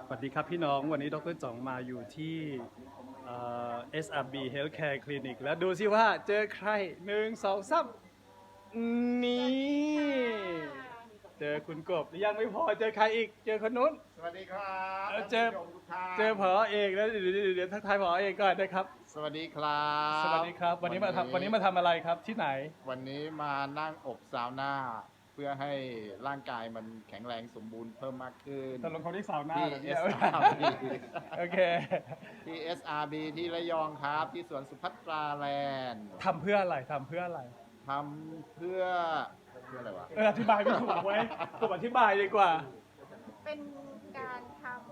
วัสดีครับพี่น้องวันนี้ดรจ่องมาอยู่ที่SRB Healthcare Clinic แล้วดูสิว่าเจอใคร1 2 3นี่เจอคุณกบยังไม่พอเจอใครอีกเจอคนนู้นสวัสดีครับเจอท่านผู้ชมทุกท่านเจอผอเอกแล้วเดี๋ยวทักทายผอเอกก่อนนะครับสวัสดีครับสวัสดีครับวันนี้มาทำอะไรครับที่ไหนวันนี้มานั่งอบซาวน่าเพื่อให้ร่างกายมันแข็งแรงสมบูรณ์เพิ่มมากขึ้นตกลงเขาที่สาวหน้าที่เหรอเนี่ย SRB โอเคที่ SRB ที่ระยองครับที่สวนสุภัตราแลนด์ทำเพื่ออะไรทำเพื่ออะไรทำเพื่ออะไรวะอธิบายไม่ถูกเว้ยผมอธิบายดีกว่าเป็นการทำ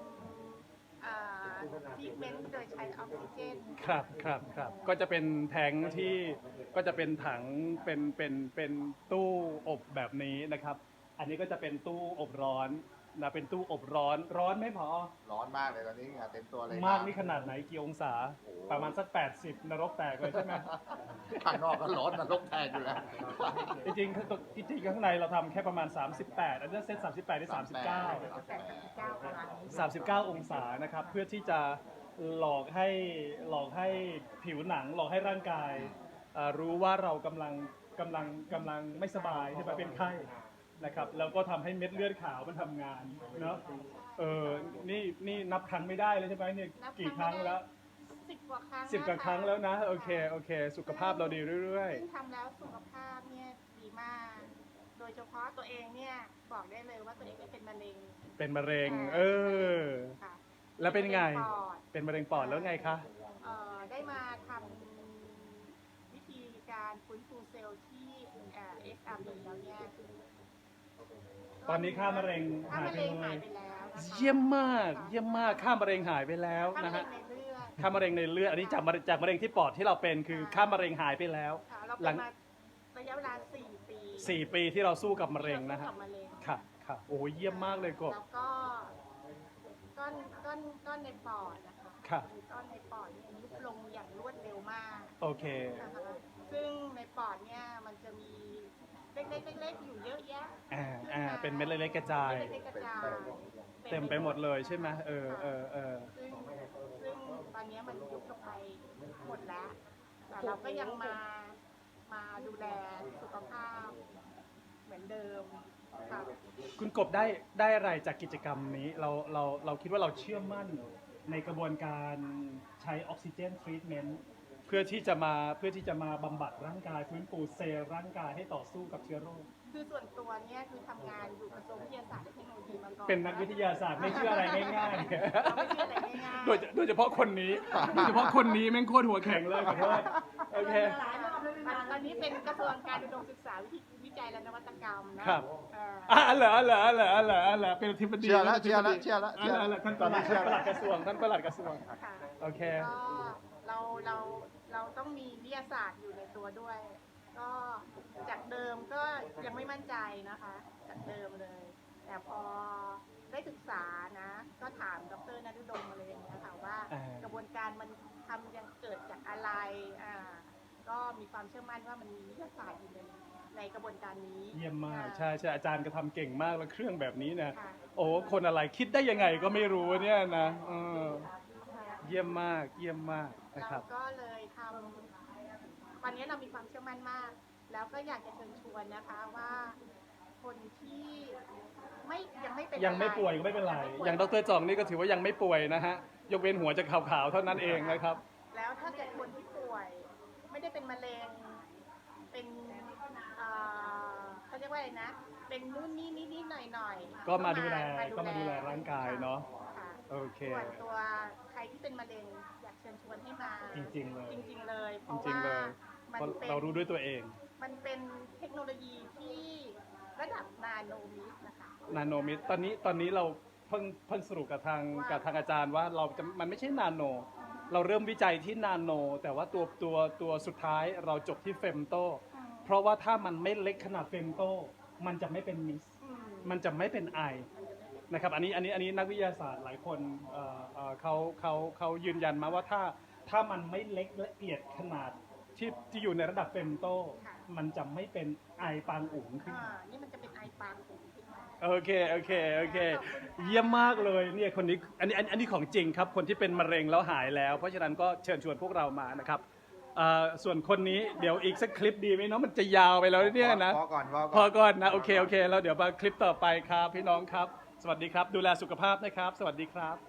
ทรีทเมนต์โดยใช้ออกซิเจนครับก็จะเป็นแทงค์ที่ก็จะเป็นถังเป็นตู้อบแบบนี้นะครับ อันนี้ก็จะเป็นตู้อบร้อนนะเป็นตู้อบร้อนไหมพอร้อนมากเลยตอนนี้เหงื่อเต็มตัวเลยมากนี่ขนาดไหนกี่องศาโอ้ประมาณสัก80นรกแตกเลยใช่ไหมข้างนอกก็ร้อนนรกแตกอยู่แล้วจริงๆข้างในเราทำแค่ประมาณ38อันนี้เซต38ได้39 89ประมาณนี้ 39 องศานะครับเพื่อที่จะหลอกให้ผิวหนังหลอกให้ร่างกายรู้ว่าเรากำลังไม่สบายใช่ไหมเป็นไข้นะครับแล้วก็ทำให้เม็ดเลือดขาวมันทำงานเนาะนี่นับครั้งไม่ได้เลยใช่ไหมเนี่ยกี่ครั้งแล้ว 10 กว่าครั้ง 10 กว่าครั้งแล้วนะโอเคสุขภาพเราดีเรื่อยซึ่งทำแล้วสุขภาพเนี่ยดีมาก โดยเฉพาะตัวเองเนี่ยบอกได้เลยว่าตัวเองไม่เป็นมะเร็งๆเป็นมะเร็งค่ะแล้วเป็นไงปอดเป็นมะเร็งปอดแล้วไงคะได้มาทำวิธีการฟื้นฟูเซลล์ที่SRB แล้วเนี่ยตอนนี้ค่ามะเร็งค่าหายมะไปเร็งเลหายยไปแล้วนะคะเยี่ยมมากค่ามะเร็งหายไปแล้วค่ามะนะเร็ฮะงในเลือดค่ามะเร็งในเลือดอันนี้จากมะเร็งที่ปอดที่เราเป็นคือค่ามะเร็งหายไปแล้วค่ะเราหลัเป็นงมาระยะเวลา 4 ปี 4 ปีที่เราสู้กับมะเร็งนะฮะที่าสู้กับมะเร็งครับโอ้ยเยี่ยมมากเลยกบแล้วก็ก้อนในปอดนะคะครับก้อนในปอดเนี่ยยุบลงอย่างรวดเร็วมากโอเคนะคะซึ่งในปอดเนี่ยมันจะมีเล็กๆอยู่เยอะแยะเป็นเม็ดเล็กๆกระจายเล็กๆกระจายเต็มไปหมดเลยใช่ไหมซึ่งตอนนี้มันยุบลงไปหมดแล้ว แต่เราก็ยังมาดูแลสุขภาพเหมือนเดิมค่ะคุณกบได้อะไรจากกิจกรรมนี้เราคิดว่าเราเชื่อมั่นในกระบวนการใช้ออกซิเจนทรีทเมนต์เพื่อที่จะมาบำบัดร่างกายฟื้นฟูเซลล์ร่างกายให้ต่อสู้กับเชื้อโรคคือส่วนตัวเนี่ยคือทำงานอยู่กระทรวงวิทยาศาสตร์และเทคโนโลยีมาก่อนเป็นนักวิทยาศาสตร์ไม่เชื่ออะไรง่ายเราไม่เชื่ออะไรง่ายๆ โดยเฉพาะคนนี้แม่งโคตรหัวแข็งเลยขอโทษโอเคตอนนี้เป็นกระทรวงการอุดมศึกษาวิจัยและนวัตกรรมนะครับเหรอเป็นอธิบดีเชื่อแล้วท่านประหลัดกระทรวงค่ะโอเคก็เราต้องมีวิทยาศาสตร์อยู่ในตัวด้วย ก็จากเดิมก็ยังไม่มั่นใจนะคะ จากเดิมเลย แต่พอได้ศึกษานะ ก็ถามดร.นฤดมอะไรอย่างเงี้ยค่ะว่ากระบวนการมันทำยังเกิดจากอะไรก็มีความเชื่อมั่นว่ามันมีวิทยาศาสตร์อยู่ในกระบวนการนี้เยี่ยมมากใช่อาจารย์ก็ทำเก่งมากแล้วเครื่องแบบนี้นะค่ะโอ้คนอะไรคิดได้ยังไงก็ไม่รู้เนี่ยนะเยี่ยมมากนะครับเราก็เลยทำตอนนี้เรามีความเชื่อมั่นมาก แล้วก็อยากจะเชิญชวนนะคะว่าคนที่ยังไม่เป็นยังไม่ป่วยก็ไม่เป็นไรอย่างดร.จองนี่ก็ถือว่ายังไม่ป่วยนะฮะยกเว้นหัวจะขาวๆเท่านั้นเองนะครับแล้วถ้าเกิดคนที่ป่วย ไม่ได้เป็นมะเร็งเป็นเขาเรียกว่าอะไรนะ เป็นนู่นนี่นิดๆหน่อยๆก็มาดูแลร่างกายเนาะค่ะโอเคส่วนตัวใครที่เป็นมะเร็งอยากเชิญชวนให้มาจริงๆเลยจริงๆเลยเพจราะริงว่าๆเลยมันเพราะเป็นเรารู้ด้วยตัวเองมันเป็นเทคโนโลยีที่ระดับนาโนมิตรนะคะนาโนมิตรตอนนี้เราเพิ่งสรุปกับทางอาจารย์ว่ามันไม่ใช่นาโน เราเริ่มวิจัยที่นาโน แต่ว่าตัวสุดท้ายเราจบที่เฟมโต เพราะว่าถ้ามันไม่เล็กขนาดเฟมโต มันจะไม่เป็นมิส มันจะไม่เป็นไอนะครับอันนี้นักวิทยาศาสตร์หลายคนเขายืนยันมาว่าถ้ามันไม่เล็กละเอียดขนาดที่อยู่ในระดับเฟมโต มันจะไม่เป็นไอปางอุ๋งขึ้นมานี่มันจะเป็นไอปางสูงขึ้นมาโอเคโอเคโอเค เยี่ยมมากเลยเนี่ยคนนี้อันนี้ของจริงครับคนที่เป็นมะเร็งแล้วหายแล้ว เพราะฉะนั้นก็เชิญชวนพวกเรามานะครับส่วนคนนี้เดี๋ยวอีกสักคลิปดีไหมเนาะมันจะยาวไปแล้วเนี่ยนะพอก่อนพอก่อนนะโอเคแล้วเดี๋ยวมาคลิปต่อไปครับพี่น้องครับ สวัสดีครับ ดูแลสุขภาพนะครับ สวัสดีครับ